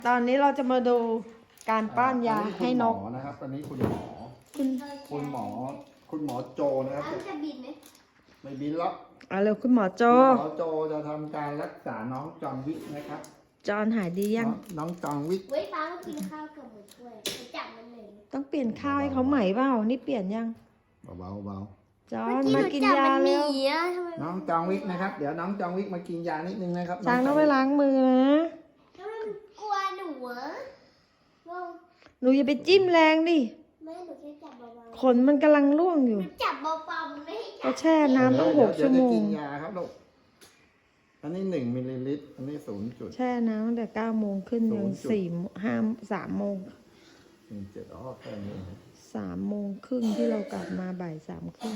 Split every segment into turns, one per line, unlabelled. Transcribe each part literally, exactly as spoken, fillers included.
ตอนนี้เราจะมาดูการป้อนยาให้นก
คุณหมอนะครับตอนนี้คุณหมอ
คุณ
คุณหมอ คุณหมอโจนะครับ
แล้วจะบินไหม
ไม่บินหรอก
เอาเร็วคุณหมอโจ
คุณหมอโจจะทำการรักษาน้องจอมวิกนะครับ
จอนหายดียัง
น้องน้องจอมวิก
เว้ยป้าก็กินข้าวกับหมูถ้วยไปจับมันเลย
ต้องเปลี่ยนข้าวให้เขาใหม่เปล่านี่เปลี่ยนยัง
เบาๆเบา
จอ
เมื่อน กี้หนู
มากิน
จับ
ยา
มันห
เร็
นี
ว
อะทำไม
น้องจอมวิกนะครับ เดี๋ยวน้องจอมวิกมากินยานิดนึงนะครับ
ช้างต้องไป
จ
ล้างมือนะ
ทำไมมันกลัวหนูอะว่า
หนูอย่าไปจิ้มแรงดิ
แม่หนูแค่จับเบา
ขนมันกำลังร่วงอ
ๆ
ยู่
หนูจับเบาๆมันไม่ให้จั
ก็
บ
แช่น้ำตั้งหก
เดี๋
ชั่
ยว ว
โม
จะ
ง
กินยาครับลูก อันนี้หนึ่งมิลลิลิตร อันนี้ศูนย์จุด
แช่น้ำตั้งแต่เก้าโมงขึ้นยัง
ศูนย์จุด
สี่ห้าสามโมง
หนึ่งเจ็ดอ๋อแค่นี้นะ
สามโมงครึ่งที่เรากลับมาบ่ายสามครึ่ง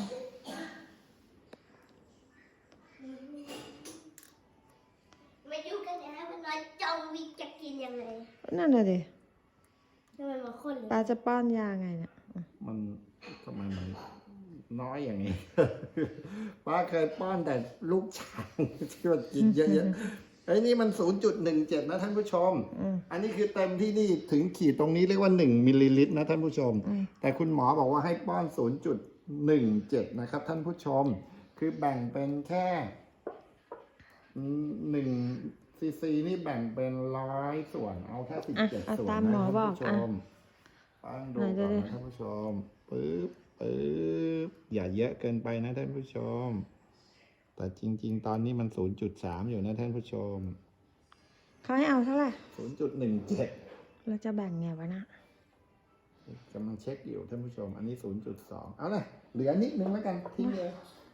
มาดูกันนะว่าน้อยจองวิกจะกินยังไง
นั่นน่ะดิ
ทำไมมาคนเลย
ป้าจะป้อนยาไงเนี่ย
มันทำไมมันน้อยอย่างนี้ ป้าเคยป้อนแต่ลูกช้างที่มันกินเยอะๆไอ้นี่มัน ศูนย์จุดหนึ่งเจ็ด นะท่านผู้ชม
อืม
อันนี้คือเต็มที่นี่ถึงขีดตรงนี้เรียกว่าหนึ่งมิลลิลิตรนะท่านผู้ชม
อืม
แต่คุณหมอบอกว่าให้ป้อน ศูนย์จุดหนึ่งเจ็ด นะครับท่านผู้ชม คือแบ่งเป็นแค่หนึ่งซีซีนี่แบ่งเป็นร้อยส่วน เอาแค่สิบเจ็ด
อ่ะ
ส่วน
ตาม
นะ
หมอ
ท่าน
บอก
ผู้ช
อ่ะ
มฟังดู
ไหน
ก่อน
ดูดิ
นะท่านผู้ชมปึ๊บปึ๊บอย่าเยอะเกินไปนะท่านผู้ชม แต่จริง ๆ ตอนนี้มัน ศูนย์จุดสาม อยู่นะท่านผู้ชม
เขาให้เอาเท่าไหร่
ศูนย์จุดหนึ่งเจ็ด
เราจะแบ่งไงวะนะ
กำลังเช็คอยู่ท่านผู้ชม อันนี้ ศูนย์จุดสอง เอาเลยเหลือนิดนึงแล้วกันทิ้งเลย